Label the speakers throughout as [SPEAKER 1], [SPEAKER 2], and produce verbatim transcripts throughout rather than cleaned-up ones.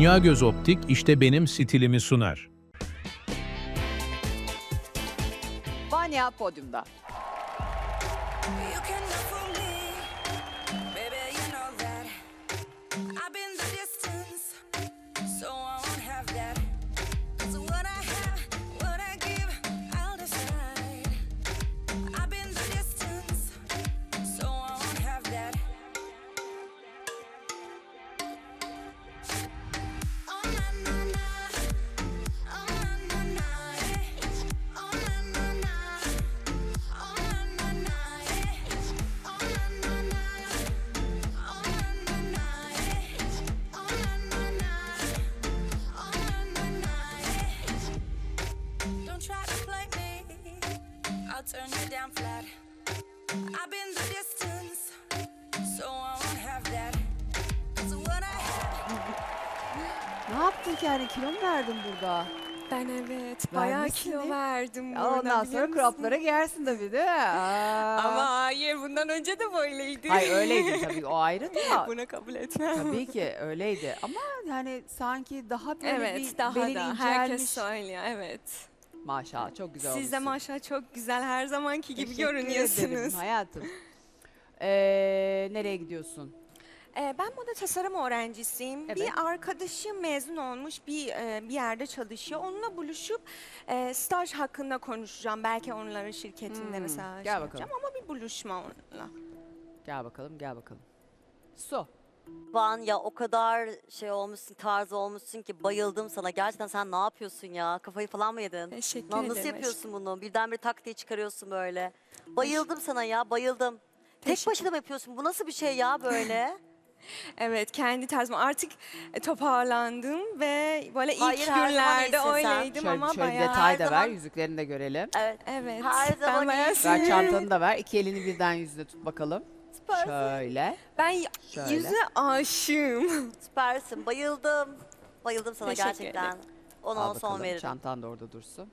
[SPEAKER 1] Dünya Göz Optik işte benim stilimi sunar.
[SPEAKER 2] Vanya podyumda.
[SPEAKER 3] You can look for me, baby, you know that. I've been the distance, so I won't have that. 'Cause what I have, what I give, I'll decide. I've been the distance, so I won't have that. Oh na na na, oh na na na, eh. Oh na na na. Oh na na na, eh. Oh na na na. Oh na na na, eh. Oh na na na. Oh na na na, eh. Don't try to play me, I'll turn you down flat. I've been the distance, so I won't have that. 'Cause what I have.
[SPEAKER 2] Ne yaptın ki yani, kilo mu verdin burada?
[SPEAKER 4] Ben evet bayağı
[SPEAKER 2] Vermişsin
[SPEAKER 4] kilo
[SPEAKER 2] değil mi?
[SPEAKER 4] verdim
[SPEAKER 2] Ya
[SPEAKER 4] burada,
[SPEAKER 2] ondan
[SPEAKER 4] biliyor
[SPEAKER 2] sonra
[SPEAKER 4] musun?
[SPEAKER 2] croplara giyersin tabii değil mi? Aa.
[SPEAKER 4] Ama hayır, bundan önce de böyleydi.
[SPEAKER 2] Hayır öyleydi tabii, o ayrı da.
[SPEAKER 4] Bunu kabul etmem.
[SPEAKER 2] Tabii ki öyleydi ama yani sanki daha böyle
[SPEAKER 4] Evet,
[SPEAKER 2] bir
[SPEAKER 4] daha
[SPEAKER 2] belin
[SPEAKER 4] da
[SPEAKER 2] incelmiş.
[SPEAKER 4] herkes söylüyor, evet.
[SPEAKER 2] Maşallah çok güzel
[SPEAKER 4] Siz de
[SPEAKER 2] olmuşsun.
[SPEAKER 4] maşallah çok güzel, her zamanki gibi
[SPEAKER 2] Teşekkür ederim
[SPEAKER 4] görünüyorsunuz.
[SPEAKER 2] hayatım. Ee, nereye gidiyorsun?
[SPEAKER 4] Ee, ben moda tasarım öğrencisiyim.
[SPEAKER 2] Evet.
[SPEAKER 4] Bir arkadaşım mezun olmuş, bir e, bir yerde çalışıyor. Onunla buluşup e, staj hakkında konuşacağım. Belki onların şirketinde
[SPEAKER 2] Hmm,
[SPEAKER 4] mesela
[SPEAKER 2] gel
[SPEAKER 4] şey
[SPEAKER 2] bakalım.
[SPEAKER 4] yapacağım ama bir buluşma onunla.
[SPEAKER 2] Gel bakalım gel bakalım. Su.
[SPEAKER 5] Van ya o kadar şey olmuşsun, tarz olmuşsun ki bayıldım sana. Gerçekten sen ne yapıyorsun ya? Kafayı falan mı yedin?
[SPEAKER 4] Teşekkür
[SPEAKER 5] Lan
[SPEAKER 4] ederim.
[SPEAKER 5] nasıl yapıyorsun bunu? Birdenbire tak diye çıkarıyorsun böyle. Bayıldım
[SPEAKER 4] Teş-
[SPEAKER 5] sana ya, bayıldım. Tek
[SPEAKER 4] Teşekkür-
[SPEAKER 5] başına mı yapıyorsun? Bu nasıl bir şey ya böyle?
[SPEAKER 4] Evet, kendi tarzım. Artık e, toparlandım ve böyle ilk
[SPEAKER 5] Hayır, her zaman
[SPEAKER 4] günlerde
[SPEAKER 5] iyisin sen.
[SPEAKER 4] öyleydim
[SPEAKER 2] Şöyle,
[SPEAKER 4] ama
[SPEAKER 2] şöyle bir
[SPEAKER 4] bayağı...
[SPEAKER 2] detay
[SPEAKER 5] her
[SPEAKER 2] da ver,
[SPEAKER 5] zaman-
[SPEAKER 2] yüzüklerini de görelim.
[SPEAKER 5] Evet.
[SPEAKER 4] Evet,
[SPEAKER 5] Her zaman
[SPEAKER 4] ben bayağı
[SPEAKER 5] iyisin.
[SPEAKER 2] Ver
[SPEAKER 4] seviyorum.
[SPEAKER 2] çantanı da ver, iki elini birden yüzüne tut bakalım.
[SPEAKER 5] Süpersin.
[SPEAKER 2] Şöyle.
[SPEAKER 4] Ben y-
[SPEAKER 2] Şöyle.
[SPEAKER 4] yüze aşığım.
[SPEAKER 5] Süpersin. Bayıldım. Bayıldım sana
[SPEAKER 4] Teşekkür
[SPEAKER 5] gerçekten.
[SPEAKER 4] ederim.
[SPEAKER 5] Ona
[SPEAKER 2] Al
[SPEAKER 5] on son
[SPEAKER 2] bakalım,
[SPEAKER 5] veririm.
[SPEAKER 2] çantan da orada dursun.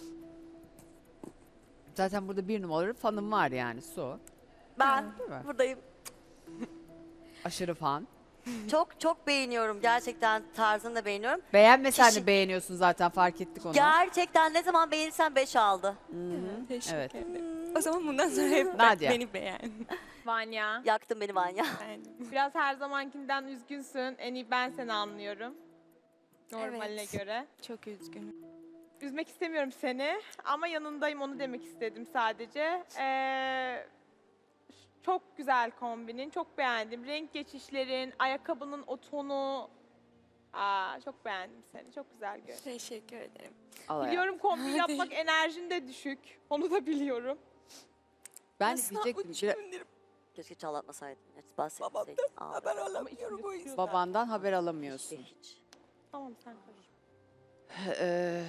[SPEAKER 2] Zaten burada bir numaralı fanım var yani, Su.
[SPEAKER 5] Ben
[SPEAKER 2] Değil mi?
[SPEAKER 5] buradayım.
[SPEAKER 2] Aşırı fan.
[SPEAKER 5] Çok çok beğeniyorum. Gerçekten tarzını da beğeniyorum.
[SPEAKER 2] Beğenmesen
[SPEAKER 5] Kişi-
[SPEAKER 2] de beğeniyorsun zaten, fark ettik onu.
[SPEAKER 5] Gerçekten ne zaman beğenirsen beş aldı.
[SPEAKER 4] Teşekkür
[SPEAKER 2] Evet.
[SPEAKER 4] ederim. O zaman bundan sonra hep
[SPEAKER 2] Nadia.
[SPEAKER 4] beni beğen.
[SPEAKER 6] Vanya,
[SPEAKER 5] Yaktın beni Vanya.
[SPEAKER 4] Beğendim.
[SPEAKER 6] biraz her zamankinden üzgünsün. En iyi ben seni anlıyorum. Normaline
[SPEAKER 4] Evet.
[SPEAKER 6] göre.
[SPEAKER 4] Çok üzgünüm.
[SPEAKER 6] Üzmek istemiyorum seni ama yanındayım, onu demek istedim sadece. Ee, çok güzel kombinin, çok beğendim. Renk geçişlerin, ayakkabının o tonu. Aa, çok beğendim seni, çok güzel görünüyor.
[SPEAKER 4] Teşekkür ederim.
[SPEAKER 2] Al hayatım.
[SPEAKER 6] Biliyorum kombin yapmak enerjin de düşük. Onu da biliyorum.
[SPEAKER 2] Ben de
[SPEAKER 4] Aslında
[SPEAKER 2] diyecektim.
[SPEAKER 4] üç
[SPEAKER 2] bir-
[SPEAKER 4] gündür
[SPEAKER 5] Keşke çalatmasaydın. Hiç bahsetmeseydin.
[SPEAKER 4] babamdan
[SPEAKER 5] Aa,
[SPEAKER 4] haber
[SPEAKER 5] evet.
[SPEAKER 4] alamıyorum o yüzden.
[SPEAKER 2] Babandan haber alamıyorsun.
[SPEAKER 5] Hiç, hiç.
[SPEAKER 6] Tamam, sen konuş.
[SPEAKER 2] Ee,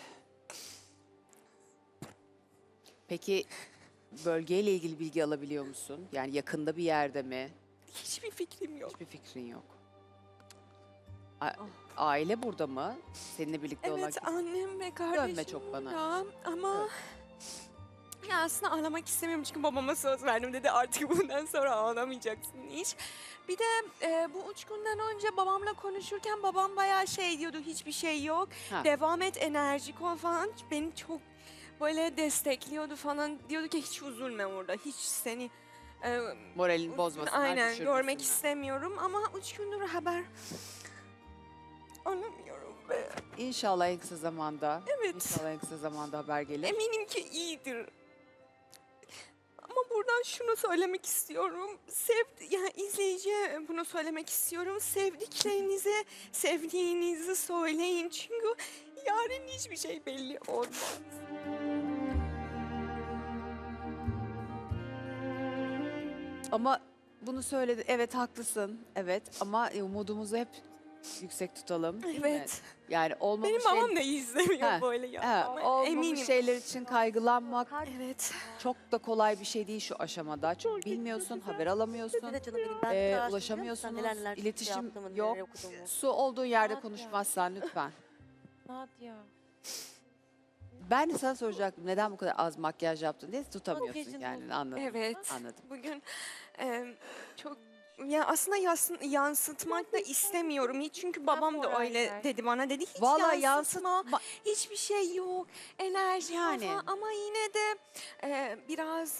[SPEAKER 2] peki bölgeyle ilgili bilgi alabiliyor musun? Yani yakında bir yerde mi?
[SPEAKER 4] Hiçbir fikrim yok.
[SPEAKER 2] Hiçbir fikrin yok. A- aile burada mı? Seninle birlikte olan
[SPEAKER 4] Evet,
[SPEAKER 2] kim?
[SPEAKER 4] annem ve kardeşim
[SPEAKER 2] Dönme çok bana.
[SPEAKER 4] burada. Ama ya aslında ağlamak istemiyorum çünkü babama söz verdim, dedi artık bundan sonra ağlamayacaksın hiç. Bir de e, bu üç günden önce babamla konuşurken babam bayağı şey diyordu, hiçbir şey yok.
[SPEAKER 2] Ha.
[SPEAKER 4] Devam et, enerjik ol falan. Beni çok böyle destekliyordu falan. Diyordu ki hiç üzülme orada, hiç seni e,
[SPEAKER 2] Moralini bozmasınlar,
[SPEAKER 4] aynen
[SPEAKER 2] düşürmesinler.
[SPEAKER 4] görmek istemiyorum ama üç gündür haber alamıyorum be.
[SPEAKER 2] İnşallah en kısa zamanda.
[SPEAKER 4] Evet.
[SPEAKER 2] İnşallah en kısa zamanda haber gelir.
[SPEAKER 4] Eminim ki iyidir. Ama buradan şunu söylemek istiyorum. Sev, yani izleyiciye bunu söylemek istiyorum. Sevdiklerinize sevdiğinizi söyleyin. Çünkü yarın hiçbir şey belli olmaz.
[SPEAKER 2] Ama bunu söyledi. Evet haklısın. Evet ama e, umudumuzu hep yüksek tutalım. değil mi?
[SPEAKER 4] Evet.
[SPEAKER 2] Yani olmamış
[SPEAKER 4] Benim
[SPEAKER 2] şey-
[SPEAKER 4] babam da izlemiyor
[SPEAKER 2] Ha,
[SPEAKER 4] böyle ya.
[SPEAKER 2] Ha,
[SPEAKER 4] Ama
[SPEAKER 2] olmamış
[SPEAKER 4] eminim.
[SPEAKER 2] şeyler için kaygılanmak
[SPEAKER 4] Evet.
[SPEAKER 2] çok da kolay bir şey değil şu aşamada. Çünkü bilmiyorsun, haber alamıyorsun.
[SPEAKER 5] Bir de canım benim ben
[SPEAKER 2] Ee,
[SPEAKER 5] bir araştırdım.
[SPEAKER 2] ulaşamıyorsunuz,
[SPEAKER 5] Sen neler neler
[SPEAKER 2] iletişim
[SPEAKER 5] yaptığımı,
[SPEAKER 2] yok.
[SPEAKER 5] neler okuduğumu.
[SPEAKER 2] Su olduğun yerde
[SPEAKER 6] Nadia.
[SPEAKER 2] konuşmazsan lütfen.
[SPEAKER 6] Nadia.
[SPEAKER 2] Ben de sana soracaktım neden bu kadar az makyaj yaptın diye, tutamıyorsun
[SPEAKER 6] Makyajın
[SPEAKER 2] yani,
[SPEAKER 6] oldu.
[SPEAKER 2] anladım.
[SPEAKER 4] Evet.
[SPEAKER 2] Anladım.
[SPEAKER 4] Bugün e, çok ya aslında yas- yansıtmak da istemiyorum hiç çünkü babam da öyle
[SPEAKER 6] moraller.
[SPEAKER 4] dedi bana dedi hiç
[SPEAKER 2] Vallahi
[SPEAKER 4] yansıtma,
[SPEAKER 2] yansıtma.
[SPEAKER 4] hiçbir şey yok, enerji
[SPEAKER 2] Yani.
[SPEAKER 4] falan ama yine de e, biraz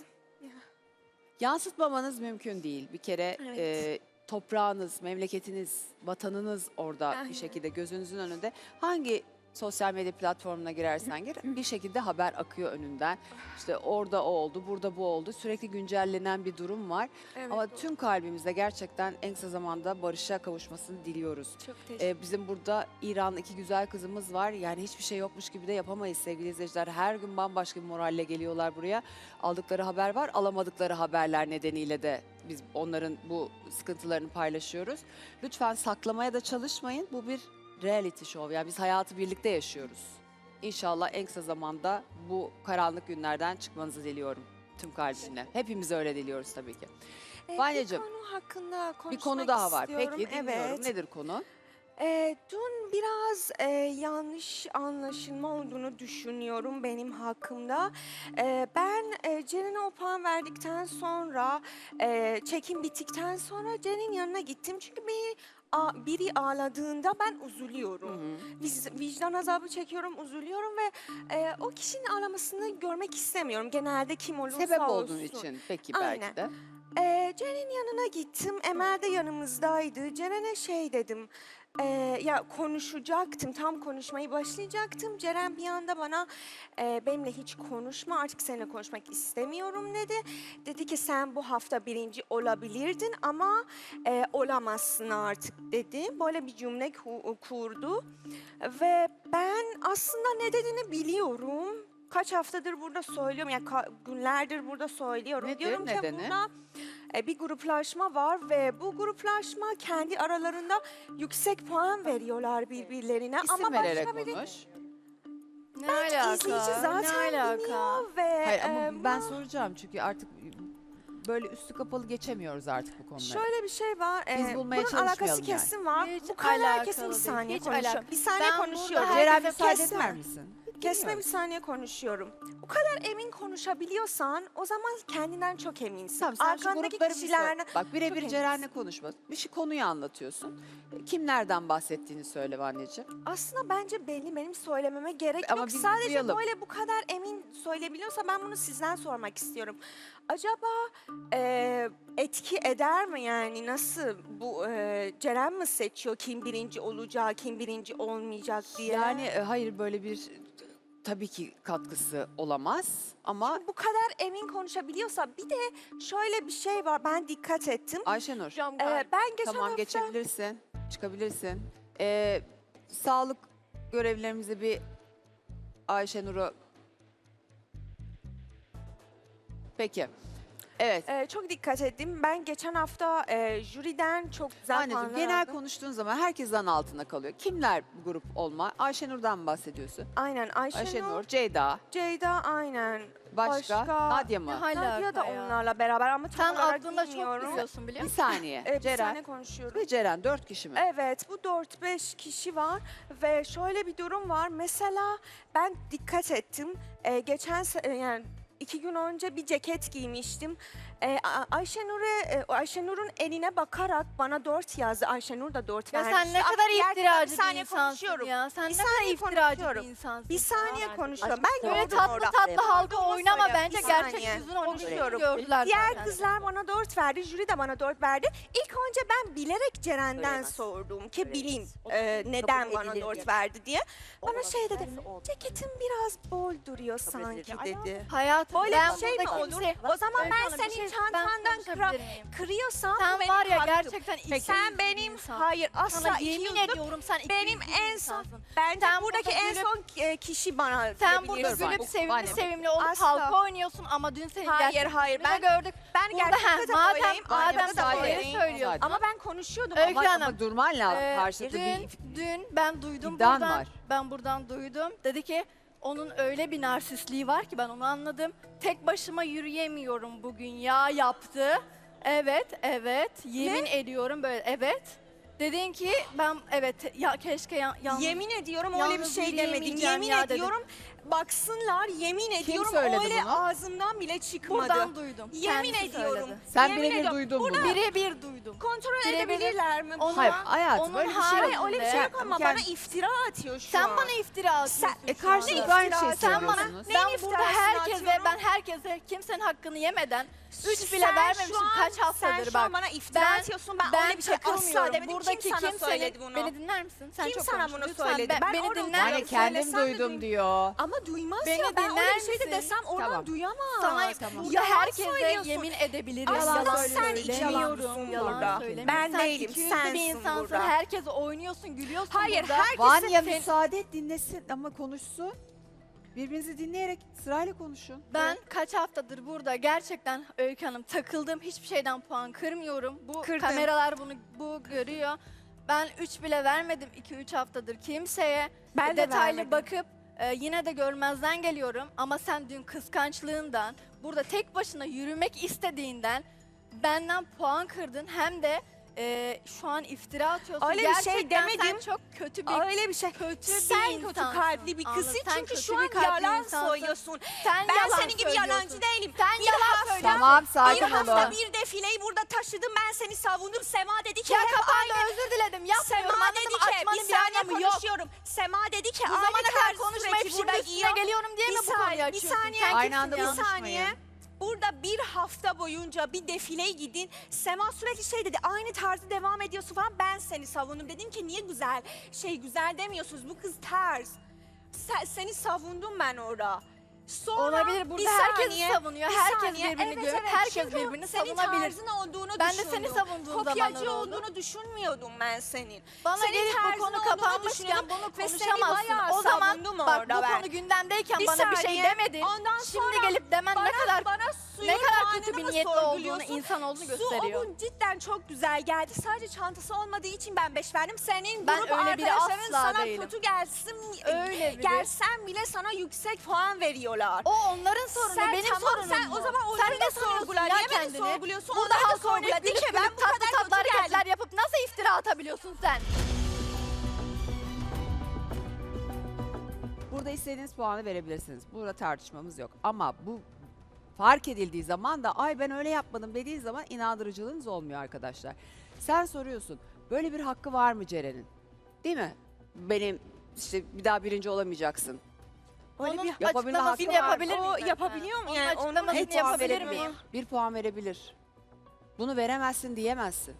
[SPEAKER 2] Yansıtmamanız mümkün değil. Bir kere
[SPEAKER 4] Evet.
[SPEAKER 2] e, toprağınız, memleketiniz, vatanınız orada
[SPEAKER 4] Aynen.
[SPEAKER 2] bir şekilde gözünüzün önünde. Hangi sosyal medya platformuna girersen gir bir şekilde haber akıyor önünden. İşte orada o oldu, burada bu oldu. Sürekli güncellenen bir durum var.
[SPEAKER 4] evet,
[SPEAKER 2] Ama
[SPEAKER 4] doğru.
[SPEAKER 2] tüm kalbimizle gerçekten en kısa zamanda barışa kavuşmasını diliyoruz.
[SPEAKER 4] Çok teşekkür
[SPEAKER 2] Ee, bizim burada İranlı iki güzel kızımız var. Yani hiçbir şey yokmuş gibi de yapamayız sevgili izleyiciler. Her gün bambaşka bir moralle geliyorlar buraya. Aldıkları haber var, alamadıkları haberler nedeniyle de biz onların bu sıkıntılarını paylaşıyoruz. Lütfen saklamaya da çalışmayın. Bu bir reality show. Yani biz hayatı birlikte yaşıyoruz. İnşallah en kısa zamanda bu karanlık günlerden çıkmanızı diliyorum tüm kalbimle. Hepimiz öyle diliyoruz tabii ki.
[SPEAKER 4] Ee,
[SPEAKER 2] Vanyacığım,
[SPEAKER 4] bir konu hakkında konuşmak
[SPEAKER 2] Bir konu daha var.
[SPEAKER 4] istiyorum.
[SPEAKER 2] Peki dinliyorum.
[SPEAKER 4] Evet.
[SPEAKER 2] Nedir konu?
[SPEAKER 4] Ee, dün biraz e, yanlış anlaşılma olduğunu düşünüyorum benim hakkımda. Ee, ben e, Ceren'e o puan verdikten sonra, e, çekim bittikten sonra Ceren'in yanına gittim. Çünkü bir, a- biri ağladığında ben üzülüyorum. Viz- vicdan azabı çekiyorum, üzülüyorum ve e, o kişinin ağlamasını görmek istemiyorum. Genelde kim olursa
[SPEAKER 2] Sebep
[SPEAKER 4] olsun.
[SPEAKER 2] olduğun için peki
[SPEAKER 4] Aynen.
[SPEAKER 2] belki de.
[SPEAKER 4] Ee, Ceren'in yanına gittim. Emel de yanımızdaydı. Ceren'e şey dedim. ee, ya konuşacaktım. Tam konuşmayı başlayacaktım. Ceren bir anda bana e, benimle hiç konuşma. Artık seninle konuşmak istemiyorum dedi. Dedi ki sen bu hafta birinci olabilirdin ama e, olamazsın artık dedi. Böyle bir cümle ku- kurdu. Ve ben aslında ne dediğini biliyorum. Kaç haftadır burada söylüyorum. Yani ka- günlerdir burada söylüyorum.
[SPEAKER 2] Nedir,
[SPEAKER 4] Diyorum ki
[SPEAKER 2] nedeni?
[SPEAKER 4] burada e, bir gruplaşma var ve bu gruplaşma kendi aralarında yüksek puan veriyorlar birbirlerine.
[SPEAKER 2] İsim
[SPEAKER 4] ama
[SPEAKER 2] vererek
[SPEAKER 4] başka biri
[SPEAKER 2] konuş.
[SPEAKER 7] Ne
[SPEAKER 4] bence
[SPEAKER 7] alaka?
[SPEAKER 4] izleyici zaten
[SPEAKER 7] ne alaka?
[SPEAKER 4] bilmiyor ve
[SPEAKER 2] Hayır ama
[SPEAKER 4] e,
[SPEAKER 2] ben
[SPEAKER 4] bu-
[SPEAKER 2] soracağım çünkü artık böyle üstü kapalı geçemiyoruz artık bu konuları.
[SPEAKER 4] şöyle bir şey var.
[SPEAKER 2] Biz
[SPEAKER 4] e,
[SPEAKER 2] bulmaya
[SPEAKER 4] bunun alakası
[SPEAKER 2] çalışmayalım yani.
[SPEAKER 4] kesin var.
[SPEAKER 7] Hiç
[SPEAKER 4] bu kadar
[SPEAKER 7] alakalı
[SPEAKER 4] kesin bir
[SPEAKER 7] değil,
[SPEAKER 4] saniye
[SPEAKER 7] hiç
[SPEAKER 4] konuşuyorum.
[SPEAKER 7] alakalı.
[SPEAKER 4] Bir saniye
[SPEAKER 7] Ben
[SPEAKER 4] konuşuyorum.
[SPEAKER 7] burada
[SPEAKER 2] Ceren
[SPEAKER 7] herkese
[SPEAKER 2] müsaade
[SPEAKER 4] kesme.
[SPEAKER 2] eder misin?
[SPEAKER 4] Kesme
[SPEAKER 2] Dinliyorum.
[SPEAKER 4] bir saniye konuşuyorum. Bu kadar emin konuşabiliyorsan o zaman kendinden çok eminsin.
[SPEAKER 2] Tamam sen şu
[SPEAKER 4] Arkandaki
[SPEAKER 2] grupları bir
[SPEAKER 4] kişilerle
[SPEAKER 2] söyle. Bak birebir
[SPEAKER 4] çok
[SPEAKER 2] Ceren'le
[SPEAKER 4] eminsin.
[SPEAKER 2] konuşma. Bir şey konuyu anlatıyorsun. Kimlerden bahsettiğini söyle anneciğim.
[SPEAKER 4] Aslında bence belli, benim söylememe gerek
[SPEAKER 2] Ama
[SPEAKER 4] yok.
[SPEAKER 2] biz bir
[SPEAKER 4] Sadece
[SPEAKER 2] duyalım.
[SPEAKER 4] böyle bu kadar emin söyleyebiliyorsa ben bunu sizden sormak istiyorum. Acaba e, etki eder mi yani nasıl bu e, Ceren mi seçiyor kim birinci olacak, kim birinci olmayacak diye?
[SPEAKER 2] Yani e, hayır böyle bir tabii ki katkısı olamaz ama
[SPEAKER 4] bu kadar emin konuşabiliyorsa bir de şöyle bir şey var ben dikkat ettim.
[SPEAKER 2] Ayşenur
[SPEAKER 4] E, ben geçen
[SPEAKER 2] tamam
[SPEAKER 4] hafta
[SPEAKER 2] geçebilirsin, çıkabilirsin. Ee, sağlık görevlilerimize bir Ayşenur'u... Peki. Evet.
[SPEAKER 4] e, çok dikkat ettim. Ben geçen hafta e, jüriden çok güzel
[SPEAKER 2] Anneciğim
[SPEAKER 4] puanlar
[SPEAKER 2] genel
[SPEAKER 4] aldım.
[SPEAKER 2] konuştuğun zaman herkes zan altında kalıyor. Kimler bu grup olma? Ayşenur'dan mı bahsediyorsun?
[SPEAKER 4] Aynen Ayşenur,
[SPEAKER 2] Ayşenur, Ceyda,
[SPEAKER 4] Ceyda aynen.
[SPEAKER 2] başka,
[SPEAKER 4] Başka-
[SPEAKER 2] Nadia mı?
[SPEAKER 7] Ne alaka
[SPEAKER 4] Nadia da
[SPEAKER 7] ya?
[SPEAKER 4] onlarla beraber ama tam
[SPEAKER 7] Sen
[SPEAKER 4] olarak
[SPEAKER 7] aklında çok
[SPEAKER 4] bilmiyorum.
[SPEAKER 7] biliyorsun biliyor
[SPEAKER 2] Bir
[SPEAKER 7] musun?
[SPEAKER 2] saniye.
[SPEAKER 4] Evet, bir
[SPEAKER 2] Ceren
[SPEAKER 4] saniye konuşuyorum.
[SPEAKER 2] ve Ceren dört kişi mi?
[SPEAKER 4] Evet, bu dört beş kişi var ve şöyle bir durum var. Mesela ben dikkat ettim. Ee, geçen se- e, yani iki gün önce bir ceket giymiştim. Ee, A- Ayşenur'e e, Ayşenur'un eline bakarak bana dört yazdı. Ayşenur da dört
[SPEAKER 7] Ya
[SPEAKER 4] vermişti.
[SPEAKER 7] sen ne
[SPEAKER 4] Ama
[SPEAKER 7] kadar
[SPEAKER 4] diğer kızlar-
[SPEAKER 7] iftiracı
[SPEAKER 4] bir
[SPEAKER 7] bir
[SPEAKER 4] saniye
[SPEAKER 7] insansın
[SPEAKER 4] konuşuyorum.
[SPEAKER 7] ya. Sen
[SPEAKER 4] Bir
[SPEAKER 7] ne kadar
[SPEAKER 4] saniye
[SPEAKER 7] iftiracı
[SPEAKER 4] konuşuyorum.
[SPEAKER 7] bir insansın.
[SPEAKER 4] Bir saniye
[SPEAKER 5] Aşkım,
[SPEAKER 4] konuşuyorum. Ben
[SPEAKER 5] Böyle
[SPEAKER 7] Böyle
[SPEAKER 4] gördüm
[SPEAKER 7] tatlı
[SPEAKER 4] orada.
[SPEAKER 7] tatlı halka
[SPEAKER 4] Olduğumu
[SPEAKER 7] oynama
[SPEAKER 4] söyle.
[SPEAKER 7] bence
[SPEAKER 4] Bir
[SPEAKER 7] gerçek
[SPEAKER 4] saniye.
[SPEAKER 7] yüzün onu
[SPEAKER 4] Konuşuyorum.
[SPEAKER 7] gördüler
[SPEAKER 4] Diğer
[SPEAKER 7] zaten.
[SPEAKER 4] kızlar bana dört verdi, jüri de bana dört verdi. İlk önce ben bilerek Ceren'den
[SPEAKER 5] Söyleyemez.
[SPEAKER 4] sordum ki
[SPEAKER 5] Söyleyemez.
[SPEAKER 4] bileyim
[SPEAKER 5] O
[SPEAKER 4] e,
[SPEAKER 5] kabul
[SPEAKER 4] neden bana
[SPEAKER 5] edilir
[SPEAKER 4] dört
[SPEAKER 5] diye.
[SPEAKER 4] verdi diye. Bana
[SPEAKER 5] Olmaz,
[SPEAKER 4] şey dedi,
[SPEAKER 5] derse olmaz.
[SPEAKER 4] ceketin biraz bol duruyor
[SPEAKER 5] Kabul
[SPEAKER 4] sanki
[SPEAKER 5] edilir.
[SPEAKER 4] dedi.
[SPEAKER 7] Hayatım
[SPEAKER 4] Böyle
[SPEAKER 7] ben
[SPEAKER 4] bir şey mi
[SPEAKER 7] burada
[SPEAKER 4] olur?
[SPEAKER 7] kimse-
[SPEAKER 4] O zaman ben
[SPEAKER 7] Öykü Hanım, bir
[SPEAKER 4] senin
[SPEAKER 7] şey- ben
[SPEAKER 4] çantandan
[SPEAKER 7] konuşabilir
[SPEAKER 4] kıra-
[SPEAKER 7] miyim?
[SPEAKER 4] kırıyorsam
[SPEAKER 7] Sen
[SPEAKER 4] bu benim
[SPEAKER 7] var ya
[SPEAKER 4] hakkım.
[SPEAKER 7] gerçekten iki
[SPEAKER 4] Sen
[SPEAKER 7] yüzlü bir
[SPEAKER 4] benim,
[SPEAKER 7] insansın.
[SPEAKER 4] hayır asla
[SPEAKER 7] Sana
[SPEAKER 4] iki
[SPEAKER 7] yemin
[SPEAKER 4] yüzlü-
[SPEAKER 7] ediyorum sen iki
[SPEAKER 4] benim
[SPEAKER 7] yüzlü bir
[SPEAKER 4] en son,
[SPEAKER 7] insansın.
[SPEAKER 4] bence
[SPEAKER 7] Sen
[SPEAKER 4] buradaki
[SPEAKER 7] burada
[SPEAKER 4] en
[SPEAKER 7] gülüp-
[SPEAKER 4] son e, kişi bana
[SPEAKER 7] Sen burada
[SPEAKER 4] diyebilirsin.
[SPEAKER 7] gülüp
[SPEAKER 2] Bu-
[SPEAKER 7] sevimli
[SPEAKER 2] Vanya.
[SPEAKER 7] sevimli olup
[SPEAKER 4] Asla.
[SPEAKER 7] halka oynuyorsun ama dün senin
[SPEAKER 4] Hayır,
[SPEAKER 7] gerçek
[SPEAKER 4] hayır,
[SPEAKER 7] yüzünü de
[SPEAKER 4] ben-
[SPEAKER 7] gördük.
[SPEAKER 4] Ben
[SPEAKER 7] Burada
[SPEAKER 4] gerçekten
[SPEAKER 7] heh,
[SPEAKER 4] de
[SPEAKER 7] madem
[SPEAKER 4] böyleyim.
[SPEAKER 7] madem
[SPEAKER 4] Ayrıca da
[SPEAKER 7] sen böyle
[SPEAKER 4] böyleyim.
[SPEAKER 7] söylüyorsun.
[SPEAKER 4] Ama ben konuşuyordum.
[SPEAKER 7] Öykü
[SPEAKER 2] Ama,
[SPEAKER 7] Hanım,
[SPEAKER 2] ama durman lazım.
[SPEAKER 7] Ee,
[SPEAKER 2] Karşılıklı
[SPEAKER 7] dün,
[SPEAKER 2] bir...
[SPEAKER 7] dün ben duydum
[SPEAKER 2] iddian
[SPEAKER 7] buradan.
[SPEAKER 2] var.
[SPEAKER 7] Ben buradan duydum. Dedi ki onun öyle bir narsistliği var ki ben onu anladım. Tek başıma yürüyemiyorum bugün ya yaptı. Evet, evet. Yemin ediyorum böyle. Evet. Dedin ki ben evet ya keşke ya, yalnız
[SPEAKER 4] Yemin ediyorum öyle bir
[SPEAKER 7] yalnız
[SPEAKER 4] şey demedim.
[SPEAKER 7] yürüyemeyeceğim
[SPEAKER 4] Yemin
[SPEAKER 7] ya dedim.
[SPEAKER 4] ediyorum baksınlar, yemin ediyorum
[SPEAKER 2] söyledi
[SPEAKER 4] öyle
[SPEAKER 2] bunu?
[SPEAKER 4] ağzımdan bile çıkmadı.
[SPEAKER 7] Buradan duydum.
[SPEAKER 4] Yemin
[SPEAKER 7] Kendisi
[SPEAKER 4] ediyorum.
[SPEAKER 7] söyledi.
[SPEAKER 2] Sen
[SPEAKER 4] Yemin
[SPEAKER 2] birebir
[SPEAKER 4] ediyorum.
[SPEAKER 2] duydun
[SPEAKER 4] Burada
[SPEAKER 2] bunu.
[SPEAKER 7] Birebir duydum.
[SPEAKER 4] kontrol
[SPEAKER 7] Birebir-
[SPEAKER 4] edebilirler mi?
[SPEAKER 7] Onu-
[SPEAKER 2] Hayır hayatım
[SPEAKER 7] Onun
[SPEAKER 2] öyle bir şey yok.
[SPEAKER 7] haricinde-
[SPEAKER 4] Hayır öyle bir şey yok ama
[SPEAKER 2] Yani-
[SPEAKER 4] bana iftira atıyor şu
[SPEAKER 7] Sen
[SPEAKER 4] an.
[SPEAKER 7] bana iftira atıyorsun.
[SPEAKER 4] Sen-
[SPEAKER 2] E
[SPEAKER 7] şu anda.
[SPEAKER 2] karşılıklı aynı şeyi
[SPEAKER 4] iftira-
[SPEAKER 7] Sen bana,
[SPEAKER 2] söylüyorsunuz.
[SPEAKER 4] Neyin
[SPEAKER 7] ben burada
[SPEAKER 4] iftirasını
[SPEAKER 7] herkese,
[SPEAKER 4] atıyorum?
[SPEAKER 7] ben herkese kimsenin hakkını yemeden üç
[SPEAKER 4] Sen
[SPEAKER 7] bile
[SPEAKER 4] şu
[SPEAKER 7] vermemişim
[SPEAKER 4] an-
[SPEAKER 7] kaç
[SPEAKER 4] Sen
[SPEAKER 7] haftadır
[SPEAKER 4] şu an
[SPEAKER 7] bak.
[SPEAKER 4] bana iftira
[SPEAKER 7] Ben-
[SPEAKER 4] atıyorsun. Ben,
[SPEAKER 7] Ben
[SPEAKER 4] öyle bir şey asla
[SPEAKER 7] takılmıyorum.
[SPEAKER 4] demedim.
[SPEAKER 7] Buradaki
[SPEAKER 4] Kim sana
[SPEAKER 7] kimsenin-
[SPEAKER 4] söyledi bunu?
[SPEAKER 7] Beni dinler misin? Sen
[SPEAKER 4] Kim
[SPEAKER 7] çok
[SPEAKER 4] sana
[SPEAKER 7] konuştun.
[SPEAKER 4] bunu
[SPEAKER 7] Lütfen
[SPEAKER 4] söyledi?
[SPEAKER 7] be-
[SPEAKER 4] Ben
[SPEAKER 7] beni
[SPEAKER 4] orada
[SPEAKER 7] dinler
[SPEAKER 2] Yani
[SPEAKER 4] oturuyorum.
[SPEAKER 7] misin?
[SPEAKER 2] kendim
[SPEAKER 4] Söylesem de
[SPEAKER 2] duydum
[SPEAKER 4] duy-
[SPEAKER 2] diyor.
[SPEAKER 4] Ama duymaz
[SPEAKER 7] Beni
[SPEAKER 4] ya. Ben öyle
[SPEAKER 7] dinler
[SPEAKER 4] bir şey de
[SPEAKER 7] misin?
[SPEAKER 4] desem oradan
[SPEAKER 2] Tamam.
[SPEAKER 4] duyamaz.
[SPEAKER 7] Sana
[SPEAKER 2] tamam.
[SPEAKER 7] ya
[SPEAKER 4] Yalan
[SPEAKER 7] herkese
[SPEAKER 4] söylüyorsun.
[SPEAKER 7] yemin edebiliriz.
[SPEAKER 4] Aslında
[SPEAKER 7] yalan
[SPEAKER 4] sen
[SPEAKER 7] söylemiyorum.
[SPEAKER 4] içiyorsun
[SPEAKER 7] Yalan
[SPEAKER 4] burada.
[SPEAKER 7] söylemiyorum.
[SPEAKER 4] Ben
[SPEAKER 7] Sen
[SPEAKER 4] değilim,
[SPEAKER 7] iki yüzlü bir
[SPEAKER 4] sensin
[SPEAKER 7] insansın.
[SPEAKER 4] burada.
[SPEAKER 7] Herkese oynuyorsun, gülüyorsun
[SPEAKER 4] Hayır,
[SPEAKER 7] burada.
[SPEAKER 4] herkesin...
[SPEAKER 2] Vanya
[SPEAKER 7] sen-
[SPEAKER 2] müsaade et dinlesin ama konuşsun. Birbirinizi dinleyerek sırayla konuşun.
[SPEAKER 7] Ben kaç haftadır burada gerçekten Öykü Hanım takıldım. Hiçbir şeyden puan kırmıyorum. Bu
[SPEAKER 4] Kırdın.
[SPEAKER 7] kameralar bunu bu görüyor. Ben üç bile vermedim iki üç haftadır kimseye.
[SPEAKER 4] Ben de
[SPEAKER 7] Detaylı
[SPEAKER 4] vermedim.
[SPEAKER 7] bakıp e, yine de görmezden geliyorum. Ama sen dün kıskançlığından, burada tek başına yürümek istediğinden benden puan kırdın. Hem de e, şu an iftira atıyorsun.
[SPEAKER 4] Öyle bir şey
[SPEAKER 7] Gerçekten
[SPEAKER 4] demedim.
[SPEAKER 7] sen çok kötü bir
[SPEAKER 4] Öyle bir şey.
[SPEAKER 7] kötü
[SPEAKER 4] Sen
[SPEAKER 7] bir
[SPEAKER 4] kötü
[SPEAKER 7] insansın.
[SPEAKER 4] kalpli bir kızsın
[SPEAKER 7] Anladın? Sen
[SPEAKER 4] çünkü
[SPEAKER 7] kötü
[SPEAKER 4] şu
[SPEAKER 7] bir
[SPEAKER 4] an
[SPEAKER 7] kalpli
[SPEAKER 4] yalan
[SPEAKER 7] insansın.
[SPEAKER 4] söylüyorsun.
[SPEAKER 7] Sen
[SPEAKER 4] Ben
[SPEAKER 7] yalan
[SPEAKER 4] senin gibi
[SPEAKER 7] söylüyorsun.
[SPEAKER 4] yalancı değilim.
[SPEAKER 7] Sen
[SPEAKER 4] Bir
[SPEAKER 7] yalan
[SPEAKER 4] hafta-
[SPEAKER 7] söylüyorsun.
[SPEAKER 2] Tamam
[SPEAKER 4] Bir
[SPEAKER 2] sakin
[SPEAKER 4] hafta
[SPEAKER 2] olun.
[SPEAKER 4] bir defileyi burada taşıdım, ben seni savundum. Sema dedi ki
[SPEAKER 7] Ya
[SPEAKER 4] hep
[SPEAKER 7] kapandı
[SPEAKER 4] aynı.
[SPEAKER 7] özür diledim. Yapmıyorum
[SPEAKER 4] Sema
[SPEAKER 7] anladın
[SPEAKER 4] dedi
[SPEAKER 7] mı?
[SPEAKER 4] ki
[SPEAKER 7] Açmanın
[SPEAKER 4] bir
[SPEAKER 7] bir
[SPEAKER 4] saniye
[SPEAKER 7] anlamı yok.
[SPEAKER 4] konuşuyorum. Sema dedi ki
[SPEAKER 7] Bu
[SPEAKER 4] aynı
[SPEAKER 7] zamana kadar
[SPEAKER 4] tarz
[SPEAKER 7] konuşmayıp
[SPEAKER 4] sürekli
[SPEAKER 7] şimdi
[SPEAKER 4] burada
[SPEAKER 7] üstüne
[SPEAKER 4] giyiyor.
[SPEAKER 7] geliyorum diye mi
[SPEAKER 4] Bir
[SPEAKER 7] bu konuyu
[SPEAKER 4] saniye, bir
[SPEAKER 7] açıyorsun?
[SPEAKER 4] saniye.
[SPEAKER 7] Sen
[SPEAKER 2] Aynı
[SPEAKER 7] kimsin
[SPEAKER 2] anda
[SPEAKER 7] ya?
[SPEAKER 4] Bir saniye.
[SPEAKER 2] konuşmayın.
[SPEAKER 4] Burada bir hafta boyunca bir defileye gidin. Sema sürekli şey dedi, aynı tarzı devam ediyorsun falan. Ben seni savundum. Dedim ki niye güzel, şey güzel demiyorsunuz. Bu kız ters. Sen, seni savundum ben orada. Sonra
[SPEAKER 7] Olabilir. Burada
[SPEAKER 4] bir
[SPEAKER 7] herkes
[SPEAKER 4] saniye,
[SPEAKER 7] savunuyor.
[SPEAKER 4] bir
[SPEAKER 7] Herkes
[SPEAKER 4] saniye.
[SPEAKER 7] birbirini
[SPEAKER 4] Evet,
[SPEAKER 7] görüp
[SPEAKER 4] evet.
[SPEAKER 7] herkes
[SPEAKER 4] Çünkü
[SPEAKER 7] birbirini
[SPEAKER 4] senin
[SPEAKER 7] savunabilir.
[SPEAKER 4] tarzın olduğunu
[SPEAKER 7] Ben de
[SPEAKER 4] düşündüm.
[SPEAKER 7] seni savunduğum
[SPEAKER 4] Kopyacı
[SPEAKER 7] zamanlar oldu.
[SPEAKER 4] olduğunu düşünmüyordum ben senin.
[SPEAKER 7] Bana
[SPEAKER 4] Senin
[SPEAKER 7] gelip bu
[SPEAKER 4] tarzın
[SPEAKER 7] konu
[SPEAKER 4] olduğunu
[SPEAKER 7] kapanmışken
[SPEAKER 4] düşünüyordum
[SPEAKER 7] bunu
[SPEAKER 4] ve seni
[SPEAKER 7] konuşamazsın.
[SPEAKER 4] bayağı
[SPEAKER 7] O zaman
[SPEAKER 4] savundum
[SPEAKER 7] bak bu
[SPEAKER 4] orada ben.
[SPEAKER 7] konu gündemdeyken
[SPEAKER 4] Bir
[SPEAKER 7] bana bir şey
[SPEAKER 4] saniye.
[SPEAKER 7] demedin.
[SPEAKER 4] Ondan
[SPEAKER 7] Şimdi
[SPEAKER 4] sonra
[SPEAKER 7] gelip demen ne kadar
[SPEAKER 4] bana suyun
[SPEAKER 7] ne kadar kötü
[SPEAKER 4] puanını
[SPEAKER 7] bir
[SPEAKER 4] mı
[SPEAKER 7] niyetli olduğunu,
[SPEAKER 4] sorguluyorsun?
[SPEAKER 7] insan olduğunu
[SPEAKER 4] Su o
[SPEAKER 7] gösteriyor.
[SPEAKER 4] gün cidden çok güzel geldi. Sadece çantası olmadığı için ben beş verdim. Senin
[SPEAKER 7] Ben
[SPEAKER 4] grup
[SPEAKER 7] öyle biri
[SPEAKER 4] arkadaşların
[SPEAKER 7] asla
[SPEAKER 4] sana
[SPEAKER 7] değilim.
[SPEAKER 4] kötü gelsin,
[SPEAKER 7] Öyle biri.
[SPEAKER 4] gelsen bile sana yüksek puan veriyorlar.
[SPEAKER 7] O onların sorunu,
[SPEAKER 4] Sen
[SPEAKER 7] benim
[SPEAKER 4] tamam,
[SPEAKER 7] sorunum
[SPEAKER 4] sen
[SPEAKER 7] mu?
[SPEAKER 4] o zaman
[SPEAKER 7] Sen
[SPEAKER 4] onları
[SPEAKER 7] ne
[SPEAKER 4] da
[SPEAKER 7] sanıyorsun
[SPEAKER 4] sorgula.
[SPEAKER 7] ya
[SPEAKER 4] Niye beni
[SPEAKER 7] kendini?
[SPEAKER 4] sorguluyorsun?
[SPEAKER 7] Burada
[SPEAKER 4] Onları da
[SPEAKER 7] halk
[SPEAKER 4] sorgula.
[SPEAKER 7] oynayıp
[SPEAKER 4] De ki
[SPEAKER 7] gülüp
[SPEAKER 4] ben
[SPEAKER 7] gülüp
[SPEAKER 4] bu
[SPEAKER 7] tatlı
[SPEAKER 4] kadar
[SPEAKER 7] tatlı
[SPEAKER 4] kötü geldim.
[SPEAKER 7] hareketler yapıp nasıl iftira atabiliyorsun sen?
[SPEAKER 2] Burada istediğiniz puanı verebilirsiniz. Burada tartışmamız yok. Ama bu fark edildiği zaman da ay ben öyle yapmadım dediğin zaman inandırıcılığınız olmuyor arkadaşlar. Sen soruyorsun böyle bir hakkı var mı Ceren'in? Değil mi? Benim işte bir daha birinci olamayacaksın. Öyle
[SPEAKER 7] Onun
[SPEAKER 2] bir yapabilme hakkı
[SPEAKER 7] açıklamasını
[SPEAKER 2] var.
[SPEAKER 7] yapabilir
[SPEAKER 4] O
[SPEAKER 7] miyim?
[SPEAKER 4] yapabiliyor mu
[SPEAKER 7] Onun
[SPEAKER 4] yani?
[SPEAKER 7] açıklamasını
[SPEAKER 4] et
[SPEAKER 7] yapabilir
[SPEAKER 4] verebilir
[SPEAKER 7] miyim?
[SPEAKER 4] mi?
[SPEAKER 2] Bir puan verebilir. Bunu veremezsin diyemezsin.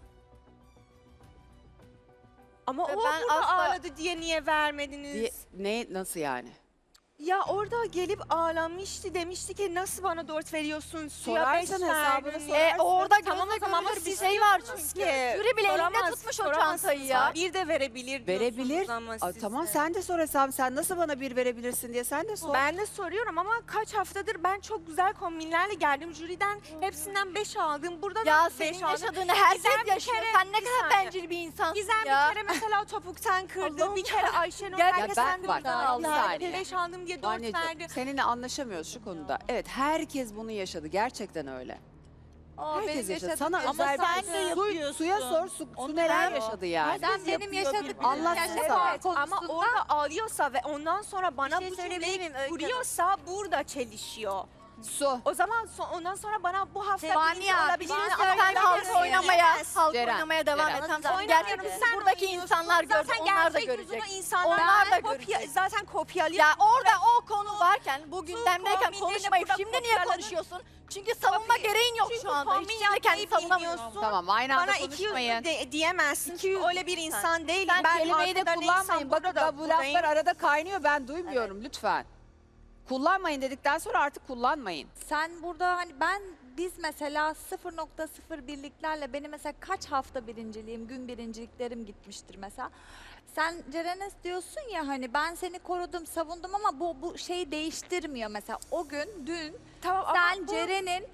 [SPEAKER 4] Ama
[SPEAKER 7] Ve
[SPEAKER 4] o
[SPEAKER 7] ben
[SPEAKER 4] burada
[SPEAKER 7] asla-
[SPEAKER 4] ağladı diye niye vermediniz?
[SPEAKER 2] Diye, ne nasıl yani?
[SPEAKER 4] Ya orada gelip ağlamıştı, demişti ki nasıl bana dört veriyorsun, suya beş
[SPEAKER 2] Sorarsan hesabını
[SPEAKER 4] verdin.
[SPEAKER 2] sorarsın.
[SPEAKER 7] E, orada
[SPEAKER 4] Tamam,
[SPEAKER 7] gözle
[SPEAKER 4] tamam ama
[SPEAKER 7] görülür bir
[SPEAKER 4] siz
[SPEAKER 7] şey var
[SPEAKER 4] diyorsunuz
[SPEAKER 7] çünkü.
[SPEAKER 4] ki,
[SPEAKER 7] Jüri bile elinde
[SPEAKER 4] soramaz-
[SPEAKER 7] tutmuş o
[SPEAKER 4] soramazsınız.
[SPEAKER 7] çantayı ya.
[SPEAKER 4] Bir de verebilir diyorsunuz
[SPEAKER 2] Verebilir.
[SPEAKER 4] ama
[SPEAKER 2] Aa,
[SPEAKER 4] siz
[SPEAKER 2] tamam
[SPEAKER 4] de.
[SPEAKER 2] sen de sor hesabı. Sen nasıl bana bir verebilirsin diye sen de sor.
[SPEAKER 4] Ben de soruyorum ama kaç haftadır ben çok güzel kombinlerle geldim. Jüriden hepsinden beş aldım. Burada
[SPEAKER 7] Ya
[SPEAKER 4] da
[SPEAKER 7] senin
[SPEAKER 4] beş aldım.
[SPEAKER 7] yaşadığını herkes
[SPEAKER 4] Gizem bir
[SPEAKER 7] yaşıyor.
[SPEAKER 4] kere-
[SPEAKER 7] Sen ne
[SPEAKER 4] bir
[SPEAKER 7] kadar
[SPEAKER 4] saniye.
[SPEAKER 7] bencil bir insansın
[SPEAKER 4] Gizem
[SPEAKER 7] ya.
[SPEAKER 4] bir kere mesela topuktan kırdı.
[SPEAKER 7] Allah'ım
[SPEAKER 4] bir kere Ayşenur
[SPEAKER 7] Ya
[SPEAKER 4] herkesten
[SPEAKER 2] ben- bak,
[SPEAKER 4] kırdı.
[SPEAKER 2] bir
[SPEAKER 4] aldı.
[SPEAKER 2] saniye.
[SPEAKER 4] beş aldım diye dört
[SPEAKER 2] Anneciğim,
[SPEAKER 4] verdi.
[SPEAKER 2] seninle anlaşamıyoruz şu konuda. Evet herkes bunu yaşadı. Gerçekten öyle.
[SPEAKER 8] Aa,
[SPEAKER 2] Herkes
[SPEAKER 8] benim
[SPEAKER 2] yaşadı.
[SPEAKER 8] yaşadığım
[SPEAKER 2] Sana
[SPEAKER 8] yaşadım.
[SPEAKER 2] özel
[SPEAKER 8] Ama
[SPEAKER 2] bir
[SPEAKER 8] sen de
[SPEAKER 2] su,
[SPEAKER 8] yapıyorsun.
[SPEAKER 2] suya sor. Su, su neler yaşadı yani.
[SPEAKER 8] Sen benim yaşadığım
[SPEAKER 2] Anlatsın
[SPEAKER 8] yaşadığım
[SPEAKER 2] sana.
[SPEAKER 8] konusunda
[SPEAKER 4] Ama orada ağlıyorsa ve ondan sonra bana
[SPEAKER 5] şey
[SPEAKER 4] bu
[SPEAKER 5] söyleyebilir
[SPEAKER 4] cümleyi
[SPEAKER 5] miyim Öykü Hanım?
[SPEAKER 4] kuruyorsa burada çelişiyor.
[SPEAKER 2] Su.
[SPEAKER 4] O zaman so- ondan sonra bana bu hafta
[SPEAKER 5] Vanya,
[SPEAKER 4] birinci olabilir
[SPEAKER 5] bana
[SPEAKER 4] mi?
[SPEAKER 5] söyle,
[SPEAKER 4] Ama
[SPEAKER 7] Sen
[SPEAKER 4] ben
[SPEAKER 7] halk
[SPEAKER 4] de
[SPEAKER 7] oynamaya,
[SPEAKER 4] söyleyemez.
[SPEAKER 7] halk
[SPEAKER 2] Ceren,
[SPEAKER 7] oynamaya devam
[SPEAKER 2] Ceren.
[SPEAKER 7] et. Tamam, sen
[SPEAKER 4] Oynamıyorum,
[SPEAKER 7] gerçekten
[SPEAKER 4] sen
[SPEAKER 7] buradaki
[SPEAKER 4] oynuyorsun.
[SPEAKER 7] insanlar gördü,
[SPEAKER 4] Zaten
[SPEAKER 7] onlar da
[SPEAKER 4] gerçek yüzünü
[SPEAKER 7] görecek.
[SPEAKER 4] insanlar
[SPEAKER 7] Onlar da
[SPEAKER 4] kopya-
[SPEAKER 7] görecek.
[SPEAKER 4] Zaten kopyalıyor.
[SPEAKER 7] Ya orada o konu varken, bu gündemdeyken
[SPEAKER 4] kombinlerini
[SPEAKER 7] konuşmayıp
[SPEAKER 4] burada
[SPEAKER 7] şimdi niye
[SPEAKER 4] kopyaladın.
[SPEAKER 7] konuşuyorsun? Çünkü savunma
[SPEAKER 4] Tabii.
[SPEAKER 7] gereğin yok
[SPEAKER 4] Çünkü
[SPEAKER 7] şu anda.
[SPEAKER 4] kombin
[SPEAKER 7] Hiç şimdi kendi
[SPEAKER 4] yapmayı
[SPEAKER 7] savunamıyorsun.
[SPEAKER 4] bilmiyorsun.
[SPEAKER 2] Tamam aynı anda
[SPEAKER 4] Bana iki yüz
[SPEAKER 2] konuşmayın.
[SPEAKER 4] de, diyemezsin.
[SPEAKER 7] iki yüz
[SPEAKER 4] Çünkü öyle bir insan değilim.
[SPEAKER 2] Sen
[SPEAKER 4] ben
[SPEAKER 2] kelimeyi de
[SPEAKER 4] arkada
[SPEAKER 2] kullanmayın.
[SPEAKER 4] neysem
[SPEAKER 2] Bakın
[SPEAKER 4] burada da
[SPEAKER 2] bu
[SPEAKER 4] buradayım.
[SPEAKER 2] laflar arada kaynıyor. Ben duymuyorum lütfen. Kullanmayın dedikten sonra artık kullanmayın.
[SPEAKER 8] Sen burada hani ben biz mesela sıfır nokta sıfır birliklerle benim mesela kaç hafta birinciliğim, gün birinciliklerim gitmiştir mesela. Sen Ceren'e diyorsun ya hani ben seni korudum, savundum ama bu bu şeyi değiştirmiyor mesela. O gün, dün
[SPEAKER 4] Tamam, ama
[SPEAKER 8] sen
[SPEAKER 4] bu-
[SPEAKER 8] Ceren'in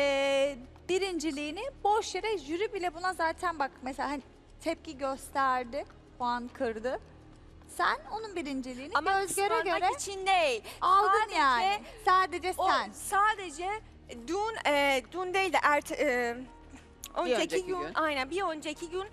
[SPEAKER 8] e, birinciliğini boş yere jüri bile buna zaten bak mesela hani tepki gösterdi, puan kırdı. Sen onun birinciliğini
[SPEAKER 4] ama
[SPEAKER 8] göz göre
[SPEAKER 4] kıskanmak
[SPEAKER 8] göre
[SPEAKER 4] için değil.
[SPEAKER 8] aldın
[SPEAKER 4] Sadece
[SPEAKER 8] yani. Sadece
[SPEAKER 4] O
[SPEAKER 8] sen.
[SPEAKER 4] sadece dün e, dün değil de erte, e, önceki,
[SPEAKER 2] önceki
[SPEAKER 4] gün,
[SPEAKER 2] gün.
[SPEAKER 4] aynen bir önceki gün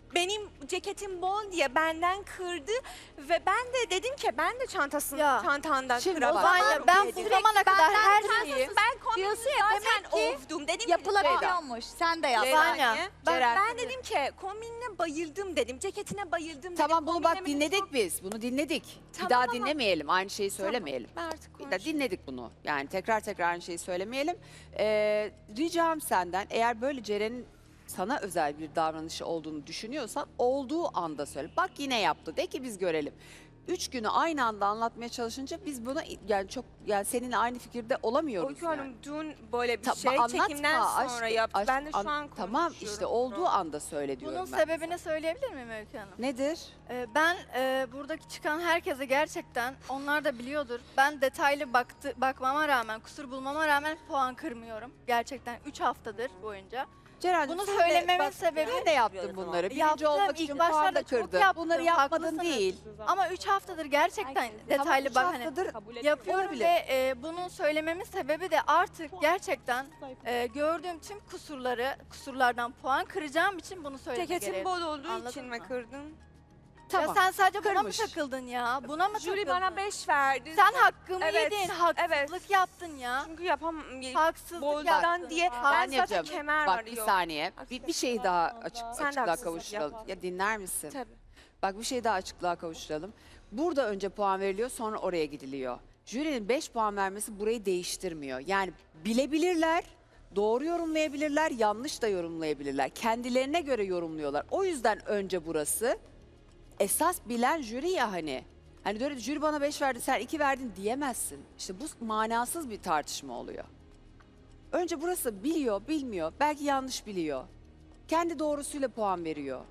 [SPEAKER 4] benim ceketim bol diye benden kırdı ve ben de dedim ki ben de çantasını
[SPEAKER 7] Ya,
[SPEAKER 4] çantandan
[SPEAKER 2] şimdi o
[SPEAKER 4] kıramam.
[SPEAKER 7] Vanya ben bu
[SPEAKER 4] dedim.
[SPEAKER 7] zamana kadar her
[SPEAKER 8] benden
[SPEAKER 7] şeyi...
[SPEAKER 4] Ben kombini
[SPEAKER 8] Diyorsun ya,
[SPEAKER 4] zaten
[SPEAKER 8] demek ki
[SPEAKER 4] ovdum. Dedim ki
[SPEAKER 8] Yapılabiliyormuş. Sen de yap.
[SPEAKER 4] Ceyda,
[SPEAKER 7] Vanya,
[SPEAKER 4] ben,
[SPEAKER 2] Ceren.
[SPEAKER 4] ben dedim ki kombinine bayıldım dedim. Ceketine bayıldım dedim.
[SPEAKER 2] Tamam bunu bak
[SPEAKER 4] kombinime
[SPEAKER 2] dinledik
[SPEAKER 4] çok-
[SPEAKER 2] biz. Bunu dinledik.
[SPEAKER 4] Tamam,
[SPEAKER 2] bir daha
[SPEAKER 4] tamam.
[SPEAKER 2] dinlemeyelim. Aynı şeyi söylemeyelim.
[SPEAKER 4] Ben artık
[SPEAKER 2] Bir de
[SPEAKER 4] konuşayım.
[SPEAKER 2] dinledik bunu. Yani tekrar tekrar aynı şeyi söylemeyelim. Ee, ricam senden eğer böyle Ceren'in sana özel bir davranışı olduğunu düşünüyorsan olduğu anda söyle. Bak yine yaptı. De ki biz görelim. Üç günü aynı anda anlatmaya çalışınca biz buna yani çok yani seninle aynı fikirde olamıyoruz.
[SPEAKER 4] Öykü
[SPEAKER 2] yani.
[SPEAKER 4] Hanım dün böyle bir
[SPEAKER 2] Ta-
[SPEAKER 4] şey
[SPEAKER 2] anlatma,
[SPEAKER 4] çekimden sonra
[SPEAKER 2] aşkım,
[SPEAKER 4] yaptı.
[SPEAKER 2] aşkım,
[SPEAKER 4] ben de şu
[SPEAKER 2] an-
[SPEAKER 4] an
[SPEAKER 2] Tamam
[SPEAKER 4] konuşuyorum
[SPEAKER 2] işte
[SPEAKER 4] bunu.
[SPEAKER 2] olduğu anda söyle diyorum
[SPEAKER 7] Bunun
[SPEAKER 2] ben.
[SPEAKER 7] sebebini söyleyebilir miyim Öykü Hanım?
[SPEAKER 2] Nedir?
[SPEAKER 7] Ee, ben e, buradaki çıkan herkese gerçekten, onlar da biliyordur. Ben detaylı baktı, bakmama rağmen, kusur bulmama rağmen puan kırmıyorum. Gerçekten üç haftadır boyunca.
[SPEAKER 2] Ceren'cim
[SPEAKER 7] Bunu
[SPEAKER 2] sen
[SPEAKER 7] söylememin
[SPEAKER 2] de, bak,
[SPEAKER 7] sebebi-
[SPEAKER 2] sen de yaptın
[SPEAKER 5] Yapıyorum
[SPEAKER 2] bunları. Birinci
[SPEAKER 7] Yaptım,
[SPEAKER 2] olmak
[SPEAKER 7] ilk
[SPEAKER 2] için puan
[SPEAKER 7] başlarda
[SPEAKER 2] da
[SPEAKER 7] çok
[SPEAKER 2] kırdın.
[SPEAKER 7] yaptım,
[SPEAKER 2] Bunları yapmadın
[SPEAKER 7] haklısınız.
[SPEAKER 2] değil.
[SPEAKER 7] Ama üç haftadır gerçekten detaylı
[SPEAKER 2] üç
[SPEAKER 7] bak hani
[SPEAKER 2] haftadır
[SPEAKER 7] yapıyorum
[SPEAKER 2] olabilir.
[SPEAKER 7] ve e, bunun söylememin sebebi de artık gerçekten e, gördüğüm tüm kusurları, kusurlardan puan kıracağım için bunu söylemek
[SPEAKER 4] Ceketim
[SPEAKER 7] gereği.
[SPEAKER 4] bol olduğu
[SPEAKER 7] Anladın
[SPEAKER 4] için mi
[SPEAKER 7] mı?
[SPEAKER 4] kırdın?
[SPEAKER 2] Tamam.
[SPEAKER 7] Ya sen sadece buna mı
[SPEAKER 2] Kırmış.
[SPEAKER 7] takıldın ya? Buna mı
[SPEAKER 4] Jüri
[SPEAKER 7] takıldın?
[SPEAKER 4] bana beş verdi.
[SPEAKER 7] Sen hakkımı
[SPEAKER 4] Evet,
[SPEAKER 7] yedin, haksızlık
[SPEAKER 4] evet.
[SPEAKER 7] yaptın ya.
[SPEAKER 4] Çünkü yapam
[SPEAKER 7] Haksızlık
[SPEAKER 4] boldan
[SPEAKER 7] yaptın.
[SPEAKER 4] diye
[SPEAKER 7] Bak,
[SPEAKER 4] ben
[SPEAKER 2] Vanyacığım,
[SPEAKER 4] zaten kemer
[SPEAKER 2] Bak
[SPEAKER 4] var
[SPEAKER 2] bir
[SPEAKER 4] yok.
[SPEAKER 2] saniye. Bir, bir şey daha açık,
[SPEAKER 4] Sen de
[SPEAKER 2] açıklığa
[SPEAKER 4] haksızlık
[SPEAKER 2] kavuşturalım.
[SPEAKER 4] yapma.
[SPEAKER 2] Ya dinler misin?
[SPEAKER 4] Tabii.
[SPEAKER 2] Bak bir şey daha açıklığa kavuşturalım. Burada önce puan veriliyor sonra oraya gidiliyor. Jürinin beş puan vermesi burayı değiştirmiyor. Yani bilebilirler, doğru yorumlayabilirler, yanlış da yorumlayabilirler. Kendilerine göre yorumluyorlar. O yüzden önce burası esas bilen jüri ya hani. Hani böyle jüri bana beş verdi sen iki verdin diyemezsin. İşte bu manasız bir tartışma oluyor. Önce burası biliyor, bilmiyor, belki yanlış biliyor. Kendi doğrusuyla puan veriyor.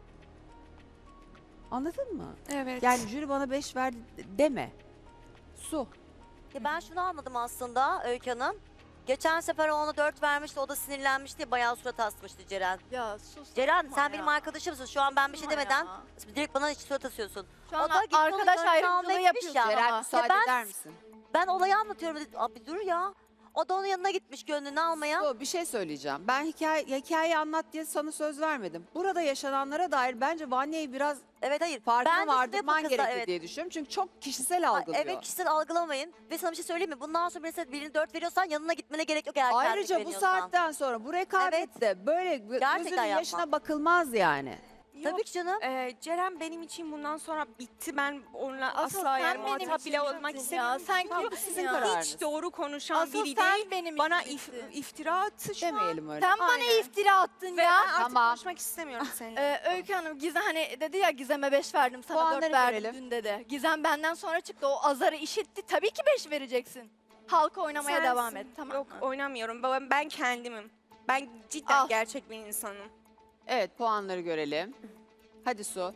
[SPEAKER 2] Anladın mı?
[SPEAKER 4] Evet.
[SPEAKER 2] Yani jüri bana beş verdi deme. Su.
[SPEAKER 5] Ya ben şunu anladım aslında Öykü Hanım. Geçen sefer ona dört vermişti, o da sinirlenmişti, bayağı surat asmıştı Ceren.
[SPEAKER 7] Ya sus.
[SPEAKER 5] Ceren
[SPEAKER 7] yapma
[SPEAKER 5] sen
[SPEAKER 7] ya.
[SPEAKER 5] benim arkadaşımsın. Şu an ben bir şey
[SPEAKER 7] Yapma
[SPEAKER 5] demeden
[SPEAKER 7] ya.
[SPEAKER 5] direkt bana hiç surat asıyorsun.
[SPEAKER 7] Şu an
[SPEAKER 5] O da gitti onun
[SPEAKER 7] arkadaş
[SPEAKER 5] gönlünü
[SPEAKER 7] ayrımcılığı
[SPEAKER 5] almaya
[SPEAKER 7] yapıyorsun
[SPEAKER 5] gitmiş ya.
[SPEAKER 2] Ceren
[SPEAKER 7] ama.
[SPEAKER 2] müsaade
[SPEAKER 5] ben-
[SPEAKER 2] eder misin?
[SPEAKER 5] Ben olayı anlatıyorum. Abi dur ya. O da onun yanına gitmiş gönlünü almaya.
[SPEAKER 2] Su, bir şey söyleyeceğim. Ben hikaye, hikayeyi anlat diye sana söz vermedim. Burada yaşananlara dair bence Vanya'yı biraz
[SPEAKER 5] Evet hayır.
[SPEAKER 2] farkına
[SPEAKER 5] Ben de
[SPEAKER 2] vardırman
[SPEAKER 5] size bu kızla,
[SPEAKER 2] gerekiyor
[SPEAKER 5] evet.
[SPEAKER 2] diye düşünüyorum. Çünkü çok kişisel
[SPEAKER 5] Ha,
[SPEAKER 2] algılıyor.
[SPEAKER 5] Evet kişisel algılamayın. Ve sana bir şey söyleyeyim mi? Bundan sonra mesela birini dört veriyorsan yanına gitmene gerek yok eğer
[SPEAKER 2] Ayrıca
[SPEAKER 5] kendine
[SPEAKER 2] bu
[SPEAKER 5] güveniyorsan.
[SPEAKER 2] saatten sonra bu rekabette böyle gö-
[SPEAKER 5] Gerçekten
[SPEAKER 2] gözünün
[SPEAKER 5] yapma.
[SPEAKER 2] yaşına bakılmaz yani.
[SPEAKER 5] Tabii ki canım.
[SPEAKER 4] Ee, Ceren benim için bundan sonra bitti. Ben onunla
[SPEAKER 7] Asıl
[SPEAKER 4] asla
[SPEAKER 7] sen
[SPEAKER 4] yani
[SPEAKER 7] benim
[SPEAKER 4] muhatap
[SPEAKER 7] için
[SPEAKER 4] bile
[SPEAKER 7] bittin
[SPEAKER 4] olmak
[SPEAKER 7] ya.
[SPEAKER 4] istemiyorum.
[SPEAKER 7] Sen
[SPEAKER 4] Çünkü
[SPEAKER 7] kimsin
[SPEAKER 2] sizin
[SPEAKER 7] ya?
[SPEAKER 2] kararınız.
[SPEAKER 4] hiç doğru konuşan
[SPEAKER 7] Asıl
[SPEAKER 4] biri
[SPEAKER 7] sen
[SPEAKER 4] değil.
[SPEAKER 7] benim
[SPEAKER 4] Bana
[SPEAKER 7] için
[SPEAKER 4] if-
[SPEAKER 7] bittin.
[SPEAKER 4] iftira attı şu an.
[SPEAKER 2] Demeyelim öyle.
[SPEAKER 7] Sen bana
[SPEAKER 4] Aynen.
[SPEAKER 7] iftira attın
[SPEAKER 4] Ve
[SPEAKER 7] ya.
[SPEAKER 4] ben artık
[SPEAKER 2] Tamam.
[SPEAKER 4] konuşmak istemiyorum seninle.
[SPEAKER 7] Ee, Öykü Hanım Gizem hani dedi ya Gizem'e beş verdim sana
[SPEAKER 2] Puanları
[SPEAKER 7] dört verdim
[SPEAKER 2] görelim.
[SPEAKER 7] dün dedi. Gizem benden sonra çıktı o azarı işitti tabii ki beş vereceksin. Halka oynamaya
[SPEAKER 4] Sensin.
[SPEAKER 7] devam et tamam
[SPEAKER 4] Yok
[SPEAKER 7] mı?
[SPEAKER 4] oynamıyorum. Ben, ben kendimim. Ben cidden
[SPEAKER 7] Al.
[SPEAKER 4] gerçek bir insanım.
[SPEAKER 2] Evet puanları görelim. Hadi Su.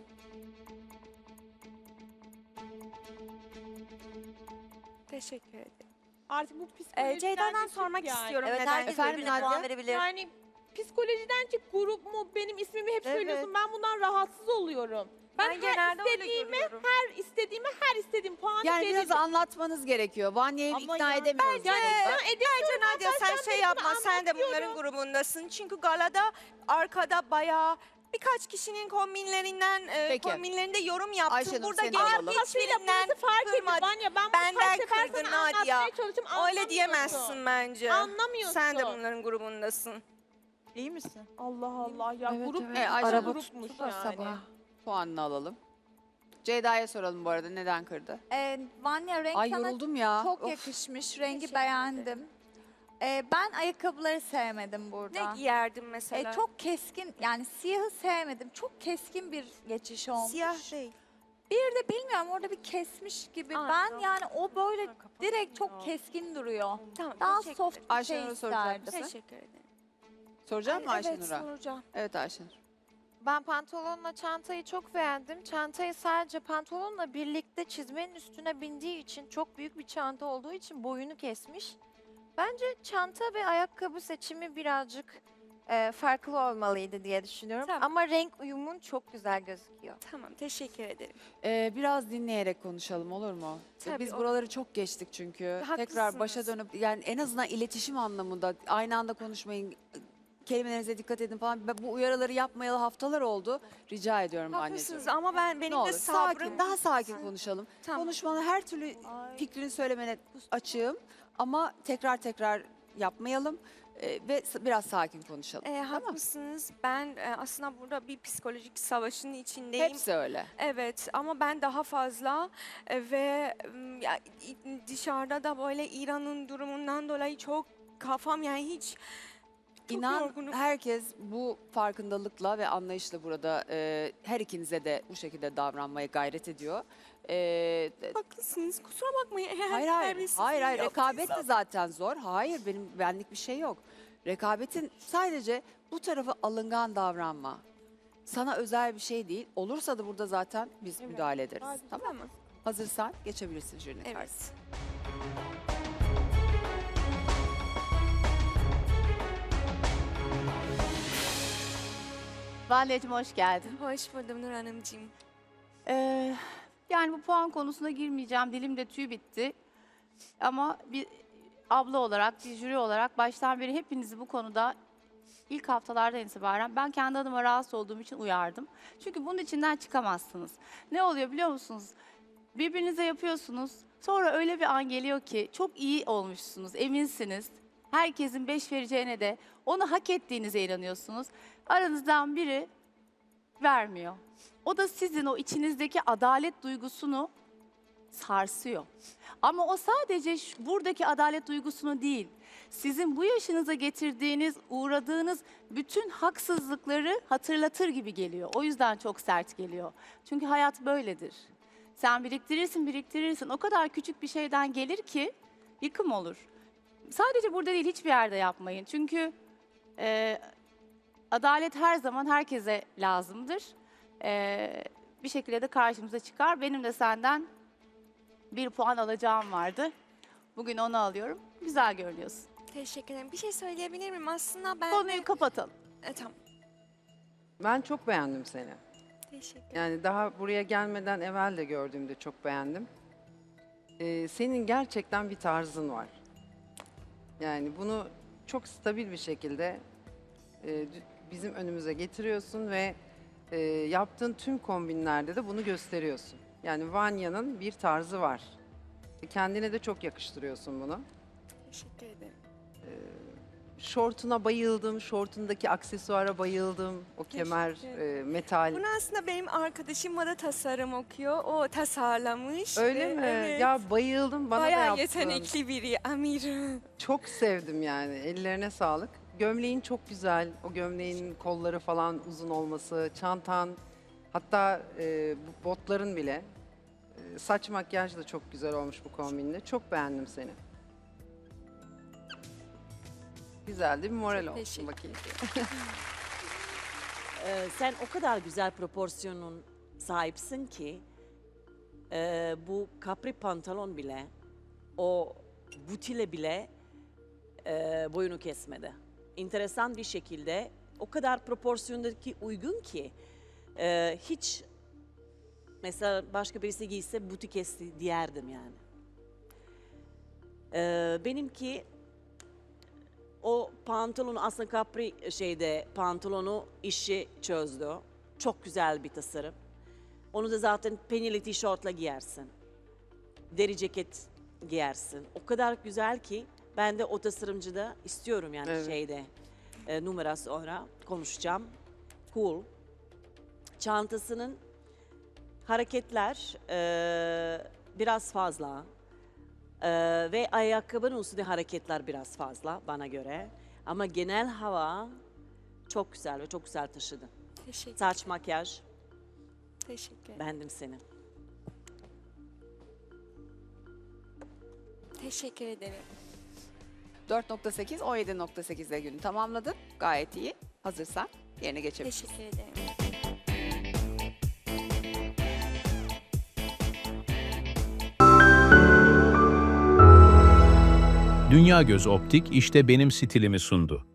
[SPEAKER 4] Teşekkür ederim.
[SPEAKER 6] Artık bu
[SPEAKER 4] Ee,
[SPEAKER 6] psikolojiden
[SPEAKER 4] Ceyda'dan
[SPEAKER 6] de çık
[SPEAKER 4] sormak
[SPEAKER 6] yani.
[SPEAKER 4] istiyorum.
[SPEAKER 5] Evet
[SPEAKER 4] neden?
[SPEAKER 5] herkes
[SPEAKER 2] Efendim,
[SPEAKER 5] birbirine
[SPEAKER 2] Nadia?
[SPEAKER 5] puan verebilir.
[SPEAKER 6] Yani psikolojiden çık, grup mu, benim ismimi hep
[SPEAKER 2] Evet.
[SPEAKER 6] söylüyorsun. Ben bundan rahatsız oluyorum. Ben,
[SPEAKER 4] Ben
[SPEAKER 6] her
[SPEAKER 4] genelde öyle
[SPEAKER 6] istediğimi,
[SPEAKER 4] görüyorum.
[SPEAKER 6] her istediğimi, her istediğim puanı
[SPEAKER 2] Yani biraz
[SPEAKER 6] veririm.
[SPEAKER 2] anlatmanız gerekiyor. Vanya'yı
[SPEAKER 6] Ama
[SPEAKER 2] ikna
[SPEAKER 6] ya-
[SPEAKER 2] edemiyoruz.
[SPEAKER 6] Yani
[SPEAKER 2] burada.
[SPEAKER 6] ikna edemiyorum.
[SPEAKER 4] Nadia sen
[SPEAKER 6] ben
[SPEAKER 4] şey
[SPEAKER 6] bunu
[SPEAKER 4] yapma. Sen de
[SPEAKER 6] anlatıyorum.
[SPEAKER 4] bunların grubundasın. Çünkü galada arkada bayağı birkaç kişinin kombinlerinden e,
[SPEAKER 2] Peki.
[SPEAKER 4] kombinlerinde yorum yaptın.
[SPEAKER 2] Ayşenur,
[SPEAKER 4] Burada
[SPEAKER 2] seni
[SPEAKER 4] gelip
[SPEAKER 2] alalım.
[SPEAKER 4] hiçbirinden
[SPEAKER 6] Burası fark ediyor.
[SPEAKER 4] kırmadın.
[SPEAKER 6] Vanya ben bunu
[SPEAKER 4] Benden
[SPEAKER 6] kaç sefer
[SPEAKER 4] kırdın
[SPEAKER 6] sana
[SPEAKER 4] Nadia.
[SPEAKER 6] anlatmaya çalıştım.
[SPEAKER 4] Öyle
[SPEAKER 6] anlamıyorsun.
[SPEAKER 4] diyemezsin bence.
[SPEAKER 6] Anlamıyorsun.
[SPEAKER 4] Sen de bunların grubundasın.
[SPEAKER 6] İyi misin? Allah Allah ya
[SPEAKER 2] Evet,
[SPEAKER 6] grup
[SPEAKER 2] evet.
[SPEAKER 6] mu?
[SPEAKER 2] E, Ayşe
[SPEAKER 6] Araba
[SPEAKER 2] Nur
[SPEAKER 6] grupmuş
[SPEAKER 2] tuttu da
[SPEAKER 6] yani.
[SPEAKER 2] sabah. Puanını alalım. Ceyda'ya soralım bu arada neden kırdı?
[SPEAKER 8] Ee, Vanya renk
[SPEAKER 2] Ay
[SPEAKER 8] sana
[SPEAKER 2] yoruldum ya.
[SPEAKER 8] çok
[SPEAKER 2] Of.
[SPEAKER 8] yakışmış. Rengi
[SPEAKER 4] Teşekkür
[SPEAKER 8] beğendim. Ee, ben ayakkabıları sevmedim burada.
[SPEAKER 4] Ne giyerdin mesela?
[SPEAKER 8] Ee, çok keskin yani siyahı sevmedim. Çok keskin bir geçiş olmuş.
[SPEAKER 4] Siyah değil.
[SPEAKER 8] Bir de bilmiyorum orada bir kesmiş gibi.
[SPEAKER 4] Anladım.
[SPEAKER 8] Ben yani o böyle direkt çok keskin duruyor.
[SPEAKER 4] Tamam.
[SPEAKER 8] Daha
[SPEAKER 4] teşekkür
[SPEAKER 8] soft
[SPEAKER 4] ederim.
[SPEAKER 8] bir
[SPEAKER 2] Ayşenur'a
[SPEAKER 8] şey
[SPEAKER 2] soracak
[SPEAKER 8] isterdim.
[SPEAKER 2] mısın?
[SPEAKER 4] Teşekkür ederim.
[SPEAKER 2] Soracak mı
[SPEAKER 4] Ay, evet
[SPEAKER 2] Ayşenur'a?
[SPEAKER 4] soracağım.
[SPEAKER 2] Evet Ayşenur.
[SPEAKER 9] Ben pantolonla çantayı çok beğendim. Çantayı sadece pantolonla birlikte çizmenin üstüne bindiği için çok büyük bir çanta olduğu için boyunu kesmiş. Bence çanta ve ayakkabı seçimi birazcık e, farklı olmalıydı diye düşünüyorum.
[SPEAKER 4] Tamam.
[SPEAKER 9] Ama renk uyumun çok güzel gözüküyor.
[SPEAKER 4] Tamam teşekkür ederim.
[SPEAKER 2] Ee, biraz dinleyerek konuşalım olur mu?
[SPEAKER 4] Tabii,
[SPEAKER 2] Biz
[SPEAKER 4] olur.
[SPEAKER 2] buraları çok geçtik çünkü. Tekrar başa
[SPEAKER 4] Haklısınız.
[SPEAKER 2] dönüp yani en azından iletişim anlamında aynı anda konuşmayın. kelimelerinize dikkat edin falan. Ben bu uyarıları yapmayalı haftalar oldu. Rica ediyorum anneciğim.
[SPEAKER 4] Haklısınız ama ben
[SPEAKER 2] Ne
[SPEAKER 4] benim
[SPEAKER 2] olur
[SPEAKER 4] de
[SPEAKER 2] sakin,
[SPEAKER 4] sabrım.
[SPEAKER 2] daha sakin konuşalım.
[SPEAKER 4] Tamam.
[SPEAKER 2] Konuşmanı her türlü fikrini söylemene açığım ama tekrar tekrar yapmayalım e, ve s- biraz sakin konuşalım.
[SPEAKER 4] Ee,
[SPEAKER 2] tamam.
[SPEAKER 4] haklısınız. Ben e, aslında burada bir psikolojik savaşın içindeyim.
[SPEAKER 2] Hepsi öyle.
[SPEAKER 4] Evet ama ben daha fazla e, ve m, ya, i- dışarıda da böyle İran'ın durumundan dolayı çok kafam yani hiç çok
[SPEAKER 2] İnan
[SPEAKER 4] yorgunum.
[SPEAKER 2] herkes bu farkındalıkla ve anlayışla burada e, her ikinize de bu şekilde davranmaya gayret ediyor. E,
[SPEAKER 4] Haklısınız. Kusura bakmayın. Eğer
[SPEAKER 2] hayır hayır,
[SPEAKER 4] terbiyesizliği
[SPEAKER 2] hayır hayır rekabet de
[SPEAKER 4] yaptıysam.
[SPEAKER 2] zaten zor. Hayır benim benlik bir şey yok. Rekabetin sadece bu tarafı alıngan davranma. Sana özel bir şey değil. Olursa da burada zaten biz
[SPEAKER 4] Evet.
[SPEAKER 2] müdahale ederiz.
[SPEAKER 4] Hadi,
[SPEAKER 2] Tamam.
[SPEAKER 4] tamam.
[SPEAKER 2] Hazırsan geçebilirsin jürinin karşısına.
[SPEAKER 4] Evet.
[SPEAKER 10] Valideciğim hoş geldin.
[SPEAKER 4] Hoş buldum Nur Hanımcığım.
[SPEAKER 10] Ee, yani bu puan konusuna girmeyeceğim. Dilimde tüy bitti. Ama bir abla olarak, bir jüri olarak baştan beri hepinizi bu konuda ilk haftalardan itibaren ben kendi adıma rahatsız olduğum için uyardım. Çünkü bunun içinden çıkamazsınız. Ne oluyor biliyor musunuz? Birbirinize yapıyorsunuz. Sonra öyle bir an geliyor ki çok iyi olmuşsunuz, eminsiniz. Herkesin beş vereceğine de onu hak ettiğinize inanıyorsunuz. Aranızdan biri vermiyor. O da sizin o içinizdeki adalet duygusunu sarsıyor. Ama o sadece şu- buradaki adalet duygusunu değil, sizin bu yaşınıza getirdiğiniz, uğradığınız bütün haksızlıkları hatırlatır gibi geliyor. O yüzden çok sert geliyor. Çünkü hayat böyledir. Sen biriktirirsin, biriktirirsin. O kadar küçük bir şeyden gelir ki yıkım olur. Sadece burada değil, hiçbir yerde yapmayın. Çünkü e, adalet her zaman herkese lazımdır. E, bir şekilde de karşımıza çıkar. Benim de senden bir puan alacağım vardı. Bugün onu alıyorum. Güzel görünüyorsun.
[SPEAKER 4] Teşekkür ederim. Bir şey söyleyebilir miyim? Aslında ben
[SPEAKER 10] Konuyu
[SPEAKER 4] de...
[SPEAKER 10] kapatalım.
[SPEAKER 4] E, tamam.
[SPEAKER 11] Ben çok beğendim seni.
[SPEAKER 4] Teşekkür ederim.
[SPEAKER 11] Yani daha buraya gelmeden evvel de gördüğümde çok beğendim. Ee, senin gerçekten bir tarzın var. Yani bunu çok stabil bir şekilde e, dü- bizim önümüze getiriyorsun ve e, yaptığın tüm kombinlerde de bunu gösteriyorsun. Yani Vanya'nın bir tarzı var. Kendine de çok yakıştırıyorsun bunu.
[SPEAKER 4] Teşekkür ederim.
[SPEAKER 11] Şortuna bayıldım, şortundaki aksesuara bayıldım. O kemer,
[SPEAKER 4] Teşekkür
[SPEAKER 11] e, metal.
[SPEAKER 4] Bunu aslında benim arkadaşım da tasarım okuyor. O tasarlamış.
[SPEAKER 11] Öyle
[SPEAKER 4] Ve
[SPEAKER 11] mi?
[SPEAKER 4] Evet.
[SPEAKER 11] Ya bayıldım bana da
[SPEAKER 4] Bayağı
[SPEAKER 11] yaptın.
[SPEAKER 4] yetenekli biri Amir.
[SPEAKER 11] Çok sevdim yani. Ellerine sağlık. Gömleğin çok güzel. O gömleğin kolları falan uzun olması, çantan, hatta e, bu botların bile. E, saç makyaj da çok güzel olmuş bu kombinle. Çok beğendim seni. Güzel değil mi? Moral olsun
[SPEAKER 4] teşekkür
[SPEAKER 11] bakayım.
[SPEAKER 12] Ee, sen o kadar güzel proporsiyonun sahipsin ki e, bu kapri pantolon bile o butile bile e, boyunu kesmedi. Enteresan bir şekilde o kadar proporsiyondaki uygun ki e, hiç mesela başka birisi giyse buti kesti diyerdim yani. E, benimki o pantolonu aslında kapri şeyde pantolonu işi çözdü. Çok güzel bir tasarım. Onu da zaten penili tişörtle giyersin. Deri ceket giyersin. O kadar güzel ki ben de o tasarımcıda istiyorum yani
[SPEAKER 11] Evet.
[SPEAKER 12] şeyde e, numara sonra konuşacağım. Cool. Çantasının hareketler e, biraz fazla. Ee, ve ayakkabının üstünde hareketler biraz fazla bana göre. Ama genel hava çok güzel ve çok güzel taşıdı.
[SPEAKER 4] Teşekkür,
[SPEAKER 12] Saç, makyaj,
[SPEAKER 4] teşekkür ederim.
[SPEAKER 12] beğendim seni.
[SPEAKER 4] Teşekkür ederim.
[SPEAKER 2] dört nokta sekiz, on yedi nokta sekiz ile günü tamamladın. Gayet iyi. Hazırsan yerine geçebilirsin.
[SPEAKER 4] Teşekkür ederim.
[SPEAKER 1] Dünya Göz Optik işte benim stilimi sundu.